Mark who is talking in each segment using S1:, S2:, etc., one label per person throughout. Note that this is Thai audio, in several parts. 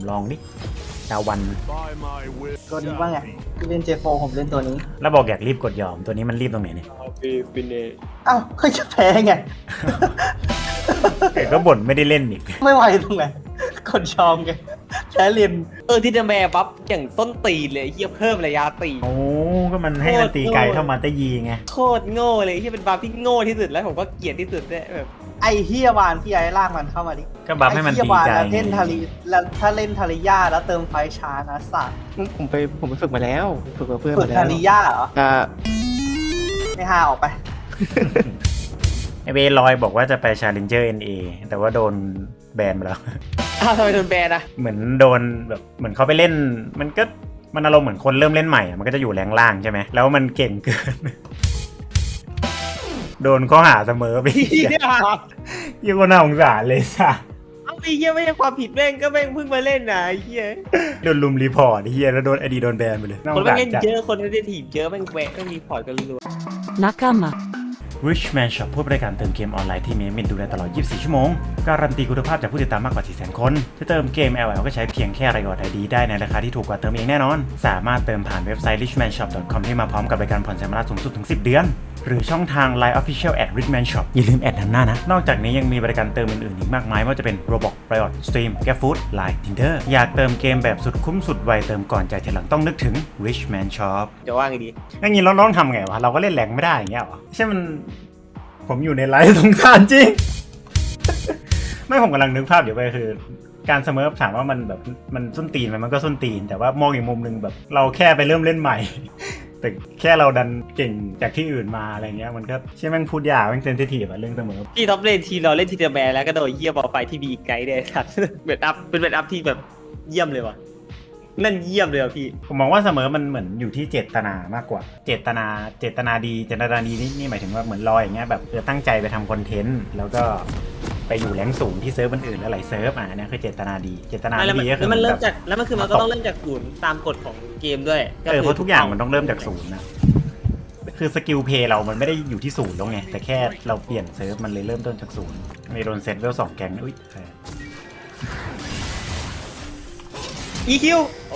S1: ลองดิดาวัน
S2: ตัวนี้ว่าไงพี่เล่น J4 ผมเล่นตัวนี้
S1: แล้วบอกอยากรีบกดยอมตัวนี้มันรีบตรงไหนเนี่ย
S3: ฟินเน
S2: อ้าวก็จะแพ้ไง
S1: แต่ก็บ่นไม่ได้เล่นอีก
S2: ไม่ไหวตรงไหนกดชอมไงแพ้เรียน
S3: ที่จะแม่ปั๊บอย่างต้นตีเลยเฮียเพิ่มระยะตี
S1: โอ้ก็มันให้มันตีไกลเท่ามาตะยีไง
S3: โคตรโง่เลยที่เป็นบัฟที่โง่ที่สุดแล้วผมก็เกลียดที่สุดด้วยแบบ
S2: ไอ้เฮียวานพี่ไอ้ลากมันเข้ามาดิ
S1: ก็บัฟให้มัน
S2: ไอ้เฮี
S1: ตี
S2: ยวาน
S1: ไกล
S2: แล้วเล่นทาริแล้วถ้าเล่นทาริยาแล้วเติมไฟช้านะสัตว์
S4: ผมไปฝึกมาแล้วฝึกกับเพื่อน
S2: ฝึ
S4: มาก แล้ว
S2: ทาริยาเหรอ
S4: อ่า
S2: ไม่ห้าออกไป
S1: ไอเวลอยบอกว่าจะไป Challenger NA แต่ว่าโดนแบนไปแล้ว
S3: อ้าวทำไมโดนแบนอะ
S1: เหมือนโดนแบบเหมือนเขาไปเล่นมันอารมณ์เหมือนคนเริ่มเล่นใหม่อะมันก็จะอยู่แรงล่างใช่ไหมแล้วมันเก่งเกิน โดนข้อหาเสมอไป
S3: เฮีย
S1: ยิ่งกว่าน่าสงสารเลยสัส
S3: เอาไอ้เฮียไม่ใช่ความผิดแม่งก็แม่งเพิ่งมาเล่นนะไอ้เฮีย
S1: โดนลุมรีพอร์ตไอ้เฮียแล้วโดนไอดีโดนแบนไปเลยาส
S3: คน
S1: ง
S3: แม่
S1: สาง ร
S3: เล่น
S1: จัด
S3: เยอะคนเล่นทีมเยอะแม่งแหวะแม่งมีพอร์ตกันรัว
S5: Nakama.
S1: Richman Shop ผู้บริการเติมเกมออนไลน์ที่มีมินดูแลตลอด 24 ชั่วโมง การันตีคุณภาพจากผู้ติดตามมากกว่า 400,000 คนจะเติมเกม LL ก็ใช้เพียงแค่รายอด ID ได้ในราคาที่ถูกกว่าเติมเองแน่นอน สามารถเติมผ่านเว็บไซต์ richmanshop.com ที่มาพร้อมกับบริการผ่อนชำระสูงสุดถึง 10 เดือน หรือช่องทาง Line Official @Richman Shop อย่าลืมแอดนำหน้านะ นอกจากนี้ยังมีบริการเติมอื่นๆอีกมากมายไม่ว่าจะเป็น Roblox Riot Stream GrabFood Line Tinder อยากเติมเกมแบบสุดคุ้มสุดไวเติมก่อนจ่ายทีหลังต้องนึกถึง Richman Shop
S3: จะว่าไงดี
S1: อย่างนี้เราต้องทำไงวะเราก็เล่นแรงไม่ได้อย่างเงี้ยหรอใช่มันผมอยู่ในไลฟ์สงสารจริง ไม่ผมกำลังนึกภาพอยู่ไปคือ การเสมอถามว่ามันแบบมันส้นตีนไหมมันก็ส้นตีน แต่ว่ามองอีกมุมหนึ่งแบบเราแค่ไปเริ่มเล่นใหม่ แต่แค่เราดันเก่งจากที่อื่นมาอะไรเงี้ยมันก็ใช่แม่งพูดยากแม่งเซนซิทีฟอะเรื่องเสมอ
S3: ที่ท็อปเลนทีเราเล่นทีเดอร์แบนแล้วก็โดนเฮียบอลไฟที่บีไกด์ได้ครับ เบ็ดอัพเป็นเบ็ดอัพที่แบบเยี่ยมเลยว่ะนั่นเยี่ยมเลยว่ะพี่
S1: ผมมองว่าเสมอมันเหมือนอยู่ที่เจตนามากกว่า เจตนาดีนี่หมายถึงว่าเหมือนลอยอย่างเงี้ยแบบตั้งใจไปทำคอนเทนต์แล้วก็ไปอยู่แรงสูงที่เซิร์ฟอื่นๆหลายๆเซิร์ฟเนี่ยคือเจตนาดีเจตนา
S3: แล้ว
S1: ดีก็คือ
S3: มันเริ่ม
S1: แบบ
S3: จากแล้วมันคือมันก็ต้องเริ่มจากศูนย์ตามกฎของเกมด้วย
S1: เพราะทุกอย่างมันต้องเริ่มจากศูนย์นะคือสกิลเพย์เรามันไม่ได้อยู่ที่ศูนย์แล้วไงแต่แค่เราเปลี่ยนเซิร์ฟมันเลยเริ่มต้นจากศูนย์มีโดนเซตเวล2แกงอุ้ย
S3: อีคิว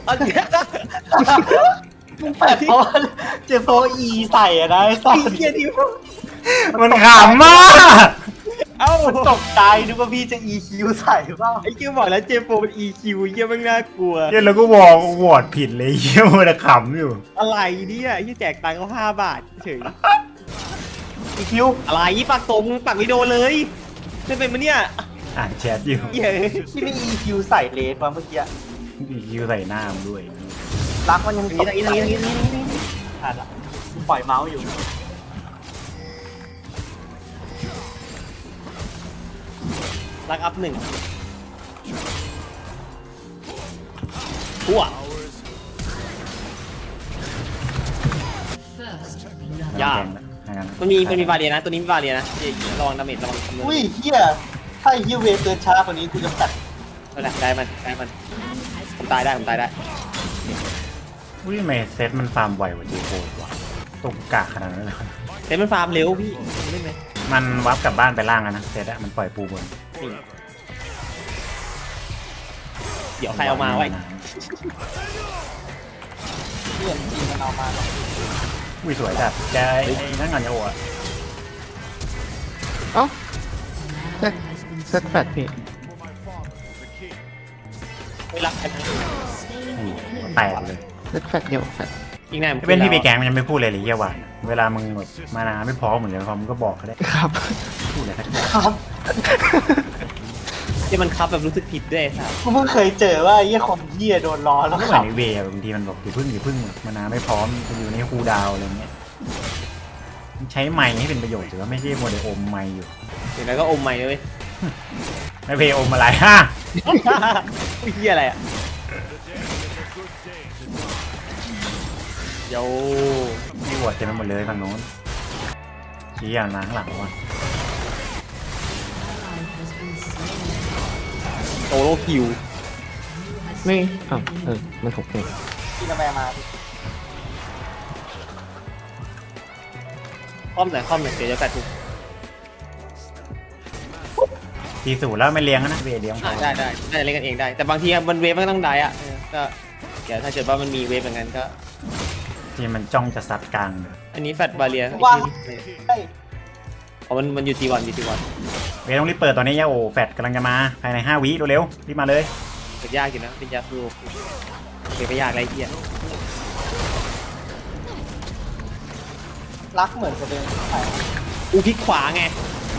S2: มึงแปดเพราะเจโฟอีใส่อะนะไอ้สัต
S3: อี
S2: ว์
S3: เกียดิว
S1: มันขำมาก
S3: เอ้า
S2: ตกใจนึกว่าพี่จะ EQ ใส่เปล่า
S3: ไอคิวบอกแล้วเจโฟเป็นอีคิวเยี่ยมน่ากลัว
S1: เนี่ยแล้วก็วอร์ดผิดเลยเยี่ยมันขำอยู่
S3: อะไรเนี่ยที่แจกตังค์เขา5 บาทเฉย
S2: EQ
S3: อะไรปากตรงปากไม่โดนเลยไม่เป็นมันเนี่ย
S1: อ่านแชทอยู่
S3: เย้
S2: ที่ไม่ EQ ใส่เลสมาเมื่อกี้
S1: ดีคิวใส่หน้ามันด้วย
S2: รักมันยัง
S3: อัน
S2: ต
S3: นี้
S2: ก
S3: อัน
S2: ใจ
S3: นี้อันนี้อันนี้
S2: อ่ะปล่อยเมาส์อยู่
S3: รักอัพ1ทั่ว ยาก มันมีบาเรียนะ ตัวนี้มีบาเรียนะระวังดาเมจระวังคำนวณ
S2: อุ้ยเฮียถ้าไอ้เฮียเวฟเดินช้ากว่านี้กูจะตัด
S3: นั่นแหละได้มันผมตายได้ผมตายได้
S1: อุ้ยทำไมเซตมันฟาร์มไวกว่าจีโฟว่ะตกกากขนาดนั้นเลย
S3: เซตมันฟาร์มเร็วพี่เล่นไหม
S1: มันวับกลับบ้านไปล่างอะนะเซตอะมันปล่อยปูบน
S3: นี่เดี๋ยวใครเอามาไว้
S2: เพื่อนจริงมันเอามาหรอก
S1: อุ้ยสวยจัดแกไอ้นั่นงานโยอะ
S4: เอ้าเซตแฟดพี่
S3: ไม่รักกัน
S1: แตกเลย
S4: เซตแฟดเดียวแฟด
S3: อีกแน่
S1: เป็นที่ไปแกงมันยังไม่พูดเลยเลยเยี่ยหวานเวลามึงแบบมานาไม่พอเหมือนกันมึงก็บอกเขาได้
S4: ครับ
S1: พูดอะไรสักอย่าง
S2: ครับ
S3: ที่มันคับแบบรู้สึกผิดด้วยสัส
S2: กูเพิ่งเคยเจอว่าไอ้เฮียคนเฮียโดนล้อแล้ว
S1: ไม่เห
S2: ค
S1: มือ
S2: รับ
S1: นในเวย์บางทีมันบอกอย่าพึ่งมานาไม่พร้อมจะอยู่ในคูลดาวน์อะไรเงี้ยใช้ไมค์ให้เป็นประโยชน์ถือว่าไม่ใช่โมเดลอมไมค์อยู่
S3: เดี๋ยวนั้นก็อมใหม่เลย
S1: ไม่เพย์อมอะไรฮะ
S3: เฮียอะไรอ่ะโย
S1: มีวอดเต็มไปหมดเลยฝั่งโน้นชี้อย่างล้างหลังว่ะ
S3: โซโลคิว
S4: ไม่อ้าวมันถูกเอง
S2: พี่กาแฟมา
S3: คอมหน่อยเดี๋ยวจะแปดทุก
S1: 40แล้วไม่เลี้ยงนะเวเลี้ยงพอ
S3: ได้เล่นกันเองได้ แต่บางทีมันเวฟมันก็ต้องได้อะก็เดี๋ยวถ้าเกิดว่ามันมีเวฟเหมือนกันก็
S1: ที่มันจ้องจะซัดกลาง
S3: อันนี้แฟตบาเรีย
S2: ว่าเฮ้ย
S3: อ๋อมันอยู่ทีวันอยู่ทีวัน
S1: เวต้องรีบเปิดตอนนี้ยาโอแฟดกำลังจะมาภายใน5 วิเร็วๆรีบมาเลย
S3: เปิดยากอยู่นะเป็นยาสูบเปิดไม่ยากไรเหี้ย
S2: รักเหมือนจะเดินไป
S3: อูพลิกขวาไง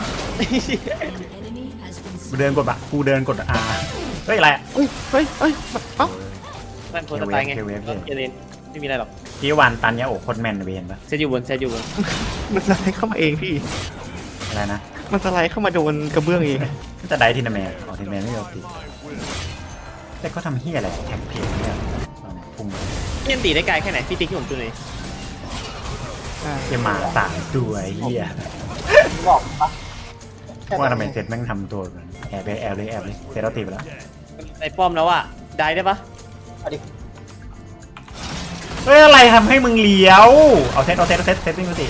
S1: กูเดินกดอะกูเดินกดอาเฮ้ยอะไรอะ
S4: เฮ้ยเฮ้ยเฮ้ยเอ้า
S3: นั่นโพสต์ตายไงเจเลนไม่มีอะไรหรอก
S1: พี่วันตันยาโอโคนแมนเวนปะ
S3: เซตอยู่บน
S4: มันสไลด์เข้ามาเองพี่
S1: อะไรนะ
S4: มันสไลด์เข้ามาโดนกระเบื้องเอง
S1: ก็จะได้ทีนาแมนทีนาแมนไม่ยอมติดแต่ก็ทำเฮียอะไรแคมเปญเนี่ยพุ่งไป
S3: เล่นตีได้ไกลแค่ไหนพี่ติ๊กที่ผมดูหน่อย
S1: เฮียหมา3 ตัวเฮีย
S2: บอกปะ
S1: ว่าทำไมเซตแม่งทำตัวแบบแอบเลยเซตเราตีไปแล้ว
S3: ในป้อมแล้วอ่ะได้ปะ
S2: เอาดิ
S1: เฮ้ยอะไรทำให้มึงเลี้ยว เอาเซตวิ่งมาสิ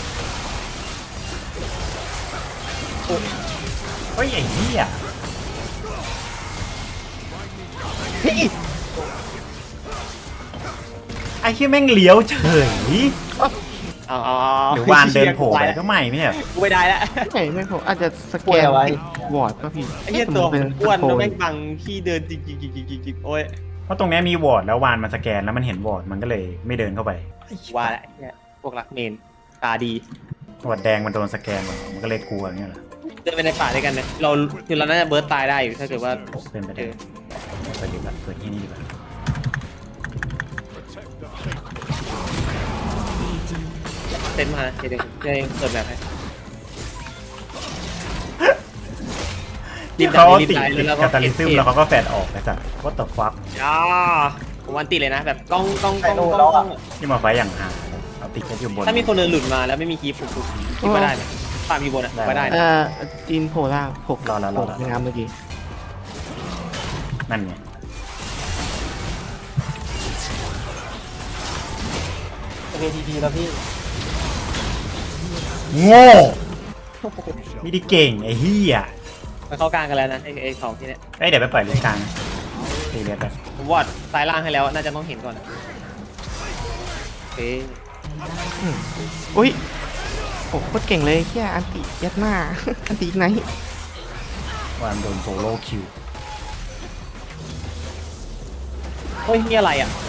S1: เฮ้ยไอ้เหี้ยไอ้เหี้ยแม่งเลี้ยวเฉย
S3: เอา
S1: หรือวานเดินโผล่ไปก็ไม่ใช่เหรอ
S3: กูไม่ได้แล้ว
S4: ไม่ผมอาจจะสแกนวอร์ดป่ะพี่
S3: ไอ้เหี้ยตัวอ้วนแล้วแม่งบังพี่เดินจิกโอ้ย
S1: เพราะตรงนี้มีวอร์ดแล้ววานมันสแกนแล้วมันเห็นวอร์ดมันก็เลยไม่เดินเข้าไป
S3: ว่าแหละเนี่ยพวกรักเมนตาดี
S1: วอร์ดแดงมันโดนสแกนมันก็เลยกลัวอย่างเงี้ยเหรอ
S3: เดินไปในป่าด้วยกันเนี่ยเราคือเราน่าจะเบิร์ตตายได้อยู่ถ้าเกิดว่า
S1: เป็นไปได้ไปดีกว่าเปิดที่นี่ดีกว่า
S3: เซ็นมาเดี๋ยวเปิดแบบให้
S1: ที่เขาติดกาตาลิซึมแล้วเขาก็แฟดออกไปสัตว์ what the fuck
S3: อ่าผมวันติดเลยนะแบบกล้อง
S1: ที่มาไฟอย่างห่าเอาติดแค่อยู่บน
S3: ถ้ามีคนเดินหลุดมาแล้วไม่มีคีฟผมคิดว่าได้เลยตามอยู่บนอ่ะว่าได้นะ
S4: จีนโพล่าหกในน้ำเมื่อกี้
S1: นั่นไง
S2: เวทีดีแล้วพี่
S1: โง่ไม่ได้เก่งไอ้เหี้ย
S3: มันเข้ากลางกันแล้วนะไอ้สองที่เนี้ย
S1: เอ้ยเดี๋ยวไปปล่อยลิงกลางตีเรียบไป
S3: ผมวอดซ้ายล่างให้แล้วน่าจะต้องเห็นก่อนนะโอเค
S4: อุ้ยโอ้โคตรเก่งเลยแค่อันติยัดหน้า อันติไหน
S1: วานโดนโซโล่คิว
S3: เฮ้ยนี่อะไรอ่ะ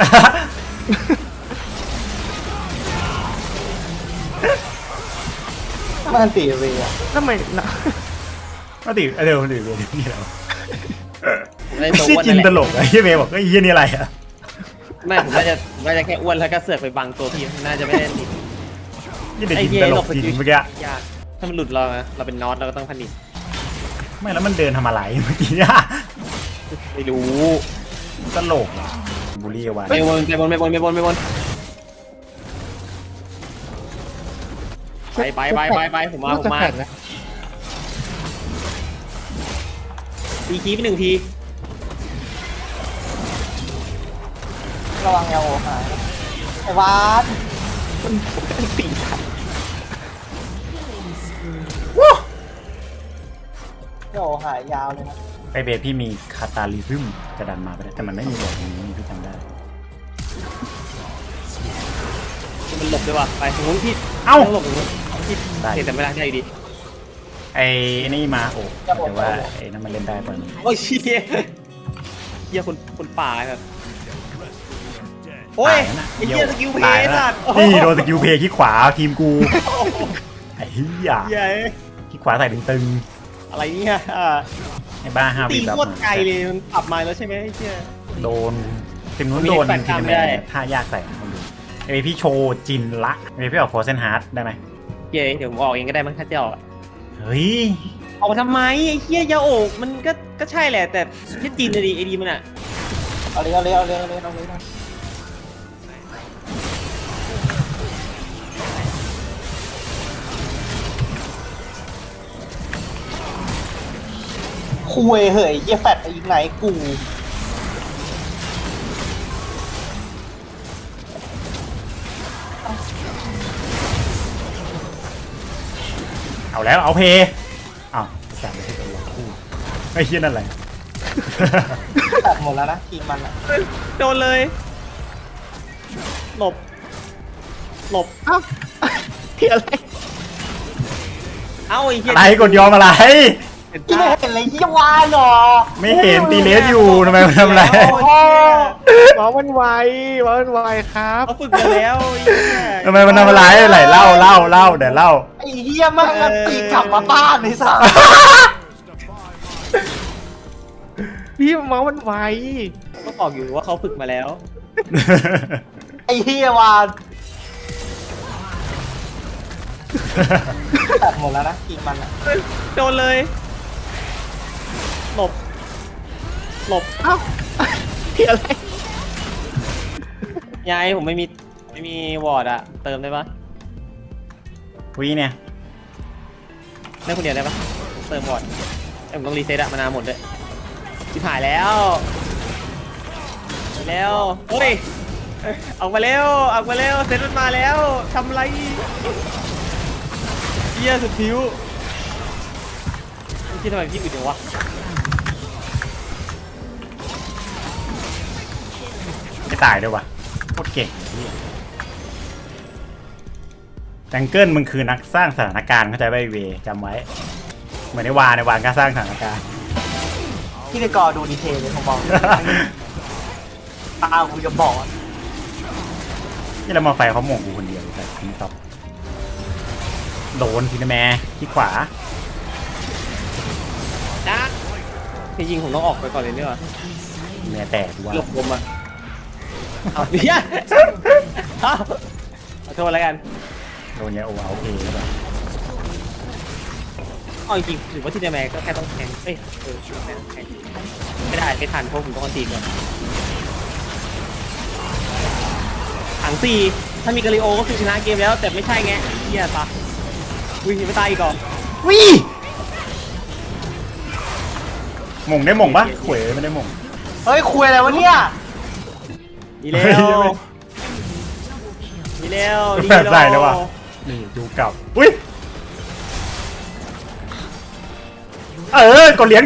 S2: มันตีเวีย
S4: ทำไมนะ
S1: ก็ติเดี๋ยวนี่แล้ว
S3: ผมได้
S1: ไม่
S3: ตัว
S1: ใช่
S3: อ้วน
S1: จิ
S3: นั่
S1: น
S3: นแห
S1: ต
S3: ละ
S1: ลกอะไอ้เหี้ยเมย์บอกไอ้เหี้ยนี่อะไรอะ
S3: ไม่ผมน่าจะแค่อ้วนแล้วก็เสือกไปบังตัวพี่น่าจะไม่ได้ติด
S1: นี่เด็กจินตลกจริงเมื่อกี้
S3: ยากถ้ามันหลุดเรานะเราเป็นน็อตเราก็ต้องพันิช
S1: ไม่แล้วมันเดินทำอะไรเมื่อกี้อะ
S3: ไม่รู้
S1: ตลกอะบูลลี่วาน
S3: ไปบนไปผมมา
S4: จะแข่งนะ
S3: ตีคีไปหนึ่งที
S2: ระวังเอลโอหายไอ้วาน
S4: อันติทัน
S2: เอลโอหายยาวเลยนะ
S1: ไอเบสพี่มีคาตาลิซึมจะดันมาไปได้แต่มันไม่มีบอกตรงนี้พี่จำได้
S3: มันหลบด้วยว่ะไปตรงนู้นพี่
S1: เอ้า
S3: หลบตรงนู้นพี่เห็นแต่ไม่ได้ได้ดี
S1: ไอ้นี่มาโอ้แต่ว่าไอ้นั่นมันเล่นได้ตอนนี้
S3: โอ้ยเชี่ยเหี้ยคนป่าแบบโอ้ยไอ้เหี้ยสกิลเพ
S1: ตาย
S3: ย์
S1: แล้ว
S3: สัตว์
S1: นี่โดนสกิลเพย์ขี้ขวาทีมกูไอ้เหี้ย
S3: เหี้ย
S1: ขี้ขวาใส่ตึง
S3: อะไรเนี่ย
S1: ๆไอ้บ้าห้า
S3: ตี
S1: วิแบบ
S3: โคตรไกลเลยมันปรับมาแล้วใช่ไหมไอ้เหี้ย
S1: โดนทีมนู้นโดนทีมแม่ท่ายากใส่คนดูไอ้พี่โชว์จินละไอ้พี่ออกโฟร์เซนฮาร์ดได้ไหม
S3: เย้เดี๋ยวผมออกเองก็ได้มั้งถ้าจะออก
S1: เฮ้ย
S3: ออกมาทำไมไอ้เหี้ยยาโอกมันก็ใช่แหละแต่ที่จีนเลยดิไอ้ดีมันอ่ะ
S2: เอาเลยคุยเหยเยี่ยแฟดอีกไหนกู
S1: เอาแล้วเอาเพย์อ้าวแสบไปที่ตัวคู่ไอ้เหี้ยนั่นแหละ
S2: ตัดหมดแล้วนะทีมมันอะ
S3: โดนเลย หลบ หลบ
S4: เอ้าที่อะไร
S3: เอ้าไอ้เหี้ย
S1: อะไรกดยอมอะไร
S3: เห็น
S2: ที่
S3: ปะ
S2: ไม่เห็นเลยยี่วานหรอ
S1: ไม่เห็นตีเลสอยู่ทำไมมันทำอะไร
S2: โอ้โห
S4: หมอมันไวหมอมันไวครับ
S3: เขาฝึกมาแล้วไอ้เหี้ย
S1: ทำไมมันทำอะไรไหลเล่าเดี๋ยวเล่า
S2: ไอ้เหี้ยมันมันตีกลับมาบ้านไอ้สัส
S4: พี่หมอมันไว
S3: ก็บอกอยู่ว่าเขาฝึกมาแล้ว
S2: ไอ้เหี้ยวานตัดหมดแล้วนะทีมมันอะ
S3: โดนเลย หลบ หลบ
S4: เอ้าที่อะไร
S3: ยายผมไม่มีวอร์ดอะเติมได้ปะ
S1: วีเนี่ย
S3: ได้คนเดียวได้ปะผมเติมวอร์ดผมต้องรีเซ็ตอะมานานหมดด้วยชิบหายแล้วแล้วเฮ้ยออกมาเร็วออกมาเร็วเซ็ตมันมาแล้วทำไรเหี้ยสุดผิวคิดทำไมพี่อื่นเดี๋ยววะ
S1: ไม่ตายด้วยวะโคตรเก่งจังเกิลมึงคือนักสร้างสถานการณ์เข้าใจไหมเวจำไว้เหมือนในวานก็สร้างสถานการณ์
S2: ที่ในกอดูดีเทลเลยผมบอกตากูจะบอก
S1: นี่เรามาไฟเขาหม่งกูคนเดียวแต่ทิ้งตอบโดนทีนะแม่ที่ขวา
S3: นะจริงๆผมต้องออกไปก่อนเลยเนี่ยว่ะ
S1: แม่แตกว่า
S3: หลบผมอะเอาเหี้ยเอาขอโทษแล้วกัน
S1: โดนเนี่ยโอเอาเอแล้วแบบ
S3: เอาจริงๆถือว่าที่เดแมก็แค่ต้องแข่งเอ้ยแข่งไม่ได้ไม่ทันเพราะผมต้องอันตีก่อนถังสี่ถ้ามีกาลิโอก็คือชนะเกมแล้วแต่ไม่ใช่ไงเฮียตาวิ่งไม่ตายอีกเหรอ
S1: วิหม่งได้หม่งปะขวยไม่ได้หม่ง
S2: เฮ้ยคุยอะไรวะเนี่ย
S3: ดีแล้วดีแล้วดี
S1: แฝดใส่แล้วว่ะนี่ดูเก่าอุ้ยกดเหรียญ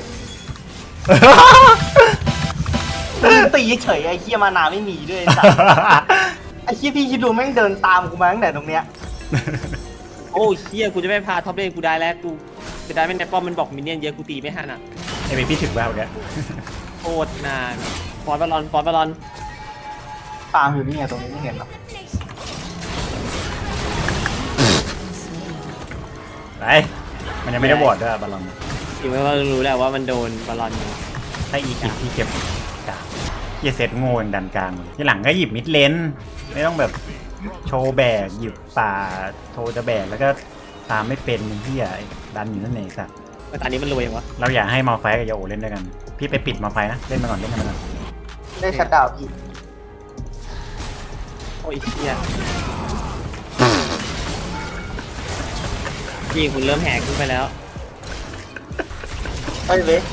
S2: ตีเฉยไอ้เหี้ยมานาไม่มีด้วยไอ้สัสไอ้เหี้ยพี่คิดดูแม่งเดินตามกูมาตั้งแต่ตรงเนี้ย
S3: โอ้เฮียกูจะไม่พาท็อปเลนกูได้แล้วกูจะได้ไม่ในป้อมมันบอกมินเนี่ยนเยอะกูตีไม่ทันอ่ะ
S1: ไอ้เบบี้ถึงแล้วเนี่ย
S3: โคตรนานฟอนบอลลอน
S2: ตามอยู่นี่ไงตรงนี้ไม่เห็นหรอก
S1: ไปมันยังไม่ได้บอดด้วยบอลลอน
S3: จริงๆว่ารู้แหละว่ามันโดนบอลลอนอยู่
S1: ถ้าอีกิที่เก็บกาเฮียเซตโง่อย่างดันกลางเลยที่หลังก็หยิบมิดเลนไม่ต้องแบบโชว์แบกหยิบป่าโชว์จะแบกแล้วก็ตามไม่เป็นเฮียดันอยู่นั่นเองสัตว์
S3: ตอนนี้มันรวยยังวะ
S1: เราอยากให้มาไฟกับยาโอเล่นด้วยกันพี่ไปปิดมาไฟนะเล่นมาก่อนเล่นมาก่อน
S2: ได้ชัดดาวน์พี่
S3: โอ้ยเฮียพี่คุณเริ่มแหกขึ้นไปแล้ว
S2: เฮ้ยเว้ย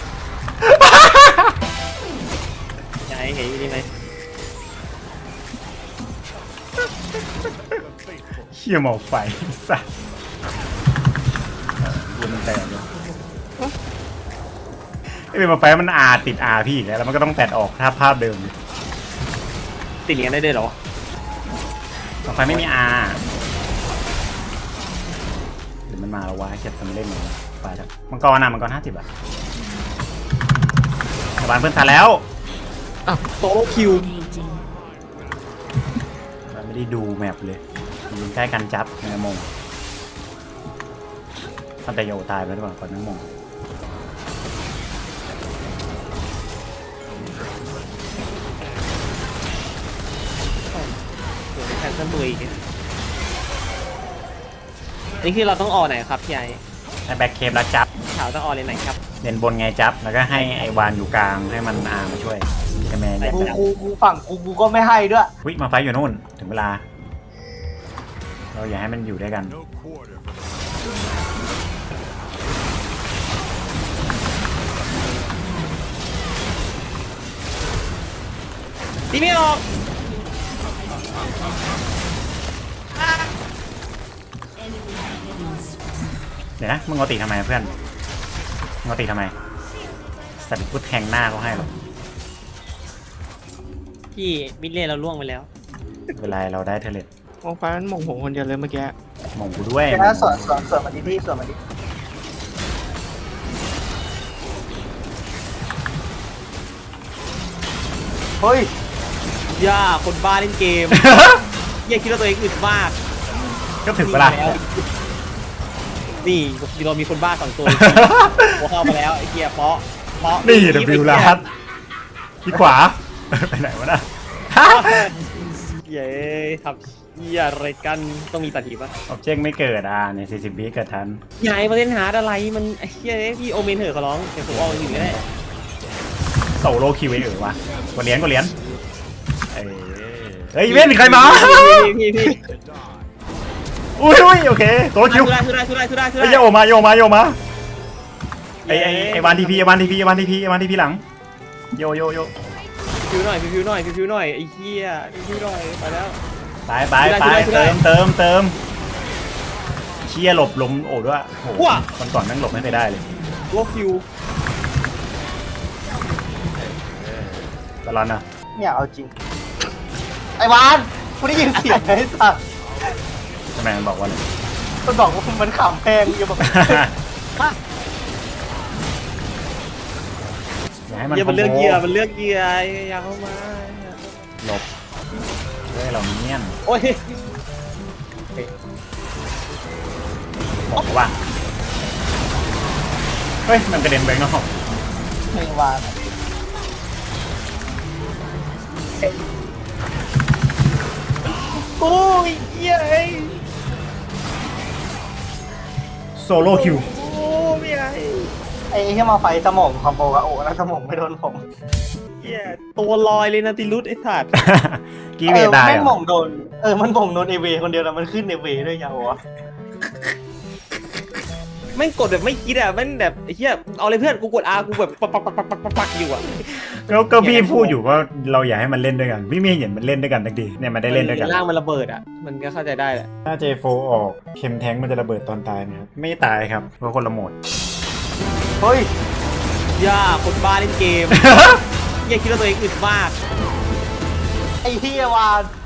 S3: จะให้เห็นอยู่นี่ไหม
S1: เฮียมาไฟสัตว์ยิงมันแตกเลยไอ้เป็นมาไฟมันอาติดอาพี่อีกแล้วมันก็ต้องแตดออกถ้าภาพเดิม
S3: ติดเหรียญได้ด้วยเหรอ
S1: มาไฟไม่มีอาหรือมันมาแล้ววะเก็บทำเล่นเลยไปแล้วมังกร50 อ่ะชาวบ้านเพื่อนทันแล้ว
S3: โตโลคิว
S1: เราไม่ได้ดูแมปเลยยืนใกล้กันจับในมงตั้งแต่โยตายไปแล้วก่อนนั่งมง
S3: แคนเซิลตัวอีกนี่คือเราต้องออกไหนครับพี่ไอ
S1: ให้แบ็คเคปแล้วจับ
S3: ขาวต้องออกเลยไหนครับ
S1: เด่นบนไงจับแล้วก็ให้ไอวานอยู่กลางให้มันอามาช่วยใช่ไหมแยก
S2: กู
S1: จับ
S2: กูฝั่งกูก็ไม่ให้ด้วย
S1: วิมาไฟอยู่นู่นถึงเวลา เราอย่าให้มันอยู่ด้วยกัน
S3: ตีไม่ออก
S1: เดี๋ยวนะมึงเอาตีทำไมเพื่อนมึงเอาตีทำไมสัตว์กูแทงหน้าเขาให้หรอก
S3: พี่มิดเล่เราล่วงไปแล้ว
S1: เวลาเราได้เทเลต
S4: มองฟ้ามันมองผมคนเดียวเลยเมื่อกี้
S1: มองกูด้วย
S2: แค่ส่วนมาดิพี่ส่วนมาดิเฮ้ย
S3: ย่าคนบ้าเล่นเกม เหี้ยคิดว่าตัวเองอึดมาก
S1: ก็ถึงเวลา
S3: นี่เรามีคนบ้าสองตัวหัวเข้ามาแล้วไอ้เกียร์เพาะ
S1: นี่เดบิวลาสที่ขวา ไปไหนวะนะ
S3: เย้ทำเหี้ยอะไรกันต้องมีปฏิบัติ
S1: ออบเจกต์ไม่เกิดใน40 วิเกิดทัน
S3: ยายมาเล่นหาอะไรมันไอ้เหี้ยพี่โอเมนเถอะขอร้องเดี๋ยวผมออกอยู่ก็ได้
S1: โซโลคิวเอวะกดเหรียญเฮ้ยเว้นใครมา
S3: พี่
S1: อุ้ยโอเคโซโลคิว
S3: ทุได้
S1: ไอ้โยมาไอ้วานทีพีหลังโย
S3: พิวหน่อยไอ้เหี้ยพิวหน่อยไปแล้ว
S1: ไปเติมเชียหลบลมโอ้ด้วยโอ้คนก่อนนั่งหลบไม่เคยได้เลย
S3: ตัวพิว
S1: ตลอดนะ
S2: เนี่ยเอาจริงไอ้วานกูได้ยินเสียงไอ้สัส
S1: ทำไมมันบอกว่าอะไร
S2: มันบอกว่ามันขำแพงอย่าบอก
S1: อย่าให้มัน
S3: เหี้ยมันเลือกเหยื่ออยากเข้ามา
S1: หลบด้วยเราเนียน
S3: โอ้ย
S1: บอกว่าเฮ้ยมันกระเด็นไปนอก
S2: เพลงวาน
S3: โอ้ยเหี้ยไอ้
S1: โซโลคิว
S3: โอ้ยไอ้
S2: ไอ้ที่มาไฟสมองคอมโบกับโอ้แล้วสมองไม่โดนผม
S3: เหี้ยตัวลอยเลยนะติลุสไอ้สัตว์
S1: กีเวได้
S2: แม่ง
S1: เหร
S2: หม่
S1: อง
S2: โดนมันหม่งโดนเอเวคนเดียวแล้วมันขึ้นเอเวด้วยยาววะ
S3: แม่งกดแบบไม่คิดอ่ะแม่งแบบไอ้เหี้ยเอาเลยเพื่อนกูกด R กูแบบปักอยู่อ่ะ
S1: ก็พี่พูดอยู่ว่าเราอยากให้มันเล่นด้วยกันพี่ไม่เห็นมันเล่นด้วยกันสักทีเนี่ยมันได้เล่นด้วยกัน
S3: ร่างมันระเบิดอ่ะมันก็เข้าใจได้แหละ
S1: ถ้า J4 ออกเข็มแท้งมันจะระเบิดตอนตายไหมครับไม่ตายครับเพราะคนละโหมด
S2: เฮ้ย
S3: ย่าคนบ้าเล่นเกม เหี้ยคิดว่าตัวเองอึดมาก
S2: ไอ้เฮียวาน